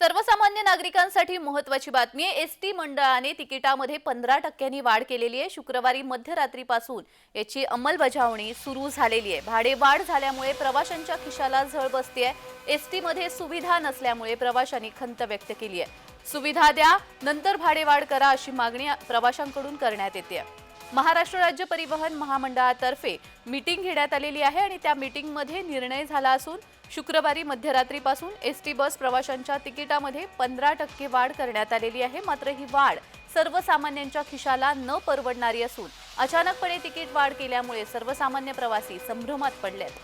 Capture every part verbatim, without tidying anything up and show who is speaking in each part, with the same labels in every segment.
Speaker 1: सर्वसामान्य नागरिकांसाठी महत्त्वाची बातमी आहे। एसटी मंडळाने तिकिटामध्ये पंधरा टक्क्यांनी वाढ केलेली आहे। शुक्रवारी मध्यरात्रीपासून याची अंमलबजावणी सुरू झालेली आहे। भाडेवाढ झाल्यामुळे प्रवाशांच्या खिशाला झळ बसते आहे। एसटी मध्ये सुविधा नसल्यामुळे प्रवाशांनी खंत व्यक्त केली आहे। सुविधा द्या, नंतर भाडेवाढ करा अशी मागणी प्रवाशांकडून करण्यात येते। महाराष्ट्र राज्य परिवहन महामंडळातर्फे मीटिंग घेण्यात आलेली आहे आणि त्या मीटिंगमध्ये निर्णय झाला असून शुक्रवारी मध्यरात्रीपासून एसटी बस प्रवाशांच्या तिकिटामध्ये पंधरा टक्के वाढ करण्यात आलेली आहे। मात्र ही वाढ सर्वसामान्यांच्या खिशाला न परवडणारी असून अचानकपणे तिकीट वाढ केल्यामुळे सर्वसामान्य प्रवासी संभ्रमात पडलेत।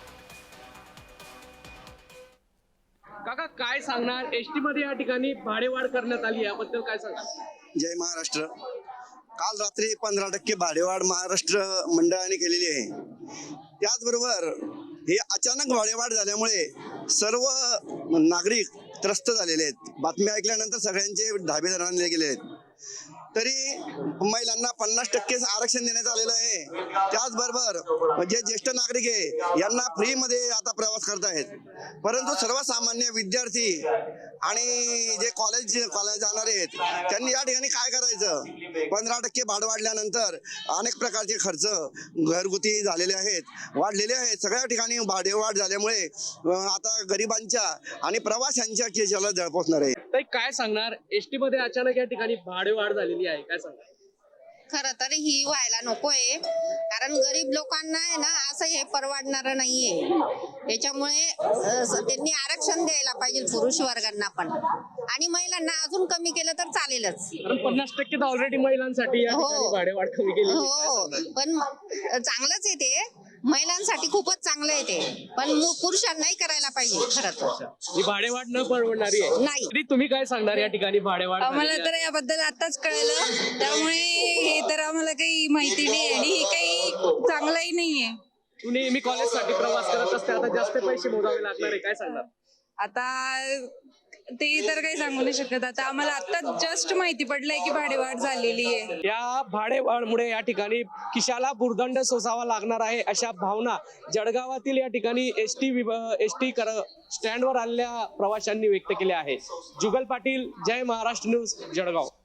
Speaker 2: काका काय सांगणार, एसटी मध्ये या ठिकाणी भाडेवाढ करण्यात आली, याबद्दल काय सांगणार?
Speaker 3: जय महाराष्ट्र। काल रात्री पंधरा टक्के भाडेवाढ महाराष्ट्र मंडळाने केलेली आहे। त्याचबरोबर हे अचानक भाडेवाढ झाल्यामुळे सर्व नागरिक त्रस्त झालेले आहेत। बातमी ऐकल्यानंतर सगळ्यांचे धाबे धरले गेले आहेत। तरी महिलांना पन्नास टक्के आरक्षण देण्यात आलेलं आहे। त्याचबरोबर जे ज्येष्ठ नागरिक आहे यांना फ्री मध्ये आता प्रवास करतायत, परंतु सर्वसामान्य विद्यार्थी आणि जे कॉलेज कॉलेज जाणारे आहेत त्यांनी या ठिकाणी काय करायचं? पंधरा टक्के भाडं वाढल्यानंतर अनेक प्रकारचे खर्च घरगुती झालेले आहेत, वाढलेले आहेत। सगळ्या ठिकाणी भाडेवाढ झाल्यामुळे आता गरिबांच्या आणि प्रवाशांच्या खिशाला झळ पोचणार आहे।
Speaker 2: काय सांगणार, एसटी मध्ये अचानक या ठिकाणी भाडेवाढ झालेली आहे, काय सांगणार?
Speaker 4: खरं तर ही व्हायला नकोय, कारण गरीब लोकांना आहे ना असं हे परवडणार नाहीये। त्याच्यामुळे त्यांनी आरक्षण द्यायला पाहिजे पुरुष वर्गांना पण, आणि महिलांना अजून कमी केलं तर चालेलच।
Speaker 2: पन्नास टक्के तर ऑलरेडी महिलांसाठी या ठिकाणी भाडेवाढ कमी केली
Speaker 4: हो, पण चांगलंच आहे ते, महिलांसाठी खूपच चांगलं आहे ते, पण पुरुषांनाही करायला पाहिजे। खरं तर
Speaker 2: ही भाडेवाढ न परवडणारी आहे
Speaker 4: नाही।
Speaker 2: तुम्ही काय सांगणार या ठिकाणी भाडेवाढ?
Speaker 5: आम्हाला तर याबद्दल आताच कळलं, त्यामुळे हे तर आम्हाला काही माहिती नाही आणि हे काही चांगलंही नाहीये।
Speaker 2: तुम्ही मी कॉलेजसाठी प्रवास करत असते, आता जास्त पैसे मोजावे लागणार आहे, काय सांगणार?
Speaker 5: आता ते तर काही सांगू नाही शकत। आता आम्हाला आता जस्ट माहिती पडलंय की भाडेवाढ झालेली आहे।
Speaker 2: या भाडेवाढमुळे या ठिकाणी खिशाला भुर्दंड सोसावा लागणार आहे, अशा भावना जळगावातील या ठिकाणी एसटी एसटी स्टँडवर आलेल्या प्रवाशांनी व्यक्त केल्या आहे। जुगल पाटील, जय महाराष्ट्र न्यूज, जळगाव।